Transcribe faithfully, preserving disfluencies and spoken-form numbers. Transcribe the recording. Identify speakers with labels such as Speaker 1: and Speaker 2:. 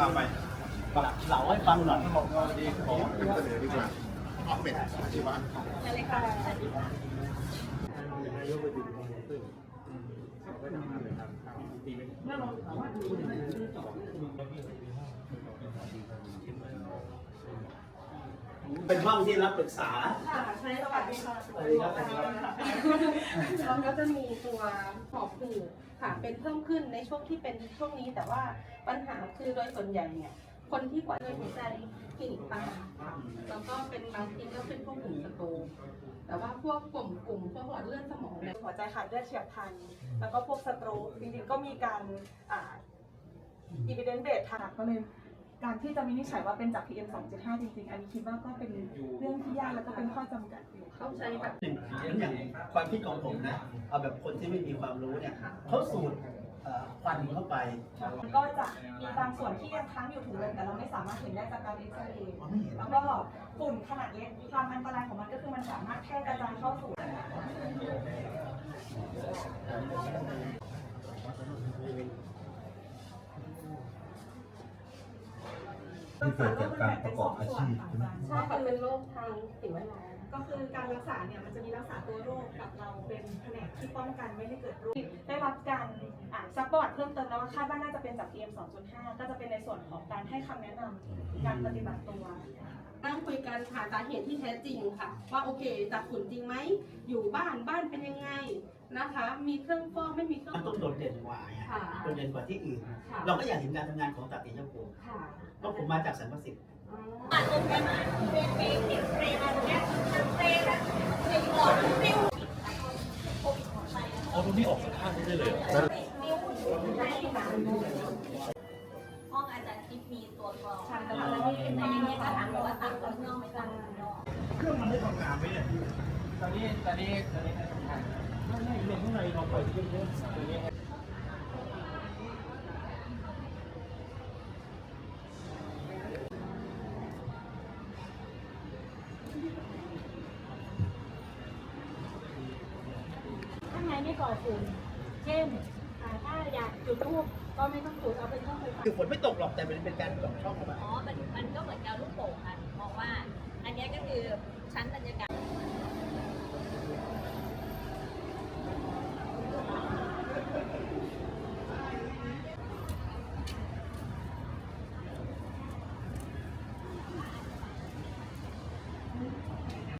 Speaker 1: าไปเล่าให้ฟังหน่อยบอกว่าดีของเสนอดีกว่าออกเป็นอาชีวะ
Speaker 2: อะไรค่ะ
Speaker 1: นายกไปดูตึ้งเขาก็ทำงานเลยครับดีไหมเป็นห้องที่รับปรึกษา
Speaker 2: ค่ะใช่สวัสดีค่ะสวัสดีค่ะแล้วก็จะมีตัวหอบหืดค่ะเป็นเพิ่มขึ้นในช่วงที่เป็นช่วงนี้แต่ว่าปัญหาคือโดยส่วนใหญ่เนี่ยคนที่กว่าโดยหัวใจคลินิกตาค่ะแล้วก็เป็นบางทีก็เป็นพวกกลุ่มสโตรกแต่ว่าพวกกลุ่มกลุ่มพวกหลอดเลือดสมองเนี่ย
Speaker 3: หัวใจขาดเลือดเฉียบพลันแล้วก็พวกสโตรกจริงๆก็มีการอ่า evidence base ทางก็เลยการที่จะวินิจฉัยว่าเป็นจาก พี เอ็ม สองจุดห้า จริงๆอันนี้คิดว่าก็เป็นเรื่องที่ยากแล้วก็เป็นข้อจำกัดอยู่
Speaker 2: เข้าใจแบบ
Speaker 1: อย่างความคิดของผมนะเอาแบบคนที่ไม่มีความรู้เนี่ยเขาสูดควันเข้าไป
Speaker 3: ก็จะมีบางส่วนที่ยังค้างอยู่ถุงลมแต่เราไม่สามารถเห็นได้จากการเอ็กซเรย์แล้วก็ฝุ่นขนาดเล็กความอันตรายของมันก็คือมันสามารถแพร่กระจายเข้าสู่
Speaker 4: ที่เกิดจากการประกอบอาชีพใช่ไหม
Speaker 2: ใช่ค่ะเป็นโรคทางสิ่งแวดล้อม
Speaker 3: ก็คือการรักษาเนี่ยมันจะมีรักษาตัวโรคกับเราเป็นแผนกที่ป้องกันไม่ให้เกิดโรคได้รับการอ่านซักประวัติเพิ่มเติมแล้วว่าคาดว่าน่าจะเป็นจาก พี เอ็ม สองจุดห้า ก็จะเป็นในส่วนของการให้คำแนะนำการปฏิบัติตัว
Speaker 2: นั่งคุยกันหาสาเหตุที่แท้จริงค่ะว่าโอเคจากฝุ่นจริงไหมอยู่บ้านบ้านเป็นยังไงนะคะมีเครื่องฟอกไม่มีเครื่อง
Speaker 1: มันต้องโดดเด่นกว่าโดดเด่นกว่าที่อื่นเราก็อยากเห็นการทำงานของตัดติยภูมิเพราะผมมาจากสันประสิทธิ์
Speaker 2: อ่าตรงนี้มาเป็นเมฆติดเฟรมาตรงนี้เฟรแล้วติดหลอดฟิว
Speaker 4: เอาตรงนี้ออกจากข้างนี้ได้เลย
Speaker 5: ห้องอาจารย์ทิพย์มีตัวกรองแต่ว่าในนี้ก็ถามว่าต่างคนนอกไม่ต่างคนนอก
Speaker 1: เครื่องมันได้ทำงานไหมเนี่ย
Speaker 6: ตอนนี้ตอนนี้ตอนนี้ทำงาน
Speaker 1: ไม่ไม่เรื่องข้างในเราไปเยอะๆตัวนี้
Speaker 7: ข้างในไม่ก่อฝุ่นเช่นถ้าอยากจุดทูบก็ไม่ต้องจุดเอาเป็นช่องไฟฟ้า
Speaker 1: คือฝนไม่ตกหรอกแต่เป็นเป็นการส่องช่องเข้าไป
Speaker 5: อ๋อมันมันก็เหมือนกับลูกโป่งค่ะมองว่าอันนี้ก็คือชั้นบรรยากาศ